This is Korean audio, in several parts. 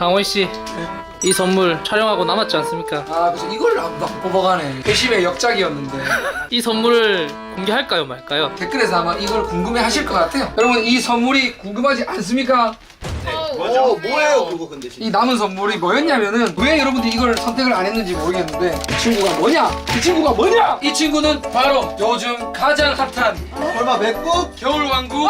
강원 씨, 이 선물 촬영하고 남았지 않습니까? 아 그래서 이걸 막 뽑아가네. 회심의 역작이었는데. 이 선물을 공개할까요 말까요? 댓글에서 아마 이걸 궁금해하실 것 같아요. 여러분 이 선물이 궁금하지 않습니까? 뭐예요 그거 근데 이 남은 선물이 뭐였냐면은 왜 여러분들이 이걸 선택을 안 했는지 모르겠는데 이 친구가 뭐냐? 이 친구가 뭐냐? 이 친구는 바로 요즘 가장 핫한 설마 맥북? 겨울왕국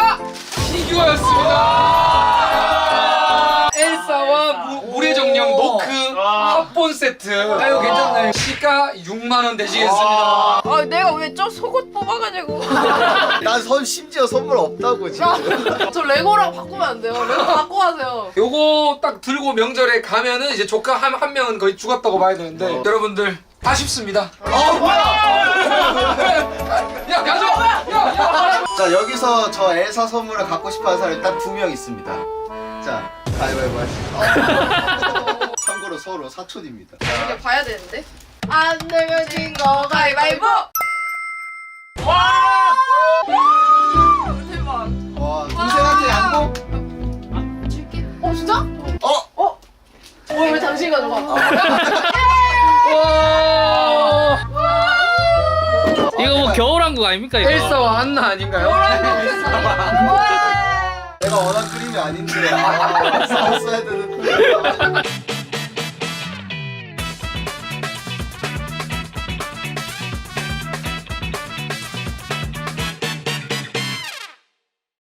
피규어였습니다. 엘사와 물의 정령 노크 합본 세트. 아유 괜찮네. 시가 6만 원 되시겠습니다. 아 내가 왜 저 속옷 뽑아가지고 난 심지어 선물 없다고 지금. 저 레고랑 바꾸면 안 돼요. 레고 바꿔 하세요. 요거 딱 들고 명절에 가면은 이제 조카 한 명은 거의 죽었다고 봐야 되는데 여러분들 아쉽습니다. 뭐야? 야 가져. 야. 자 여기서 저 엘사 선물을 갖고 싶어하는 사람이 딱 2명 있습니다. 자 가위바위보 하시죠. 참고로 서로 사촌입니다. 이제 봐야 되는데. 안 내면 진 거 가위바위보. 대박. 와 동생한테 양보? 줄게. 진짜? 어? 왜 당신 가져가? 이거 뭐 겨울왕국 아닙니까 이거? 엘사와 안나 아닌가요? 내가 원한 그림이 아닌데. 아, 썼어야 되는데.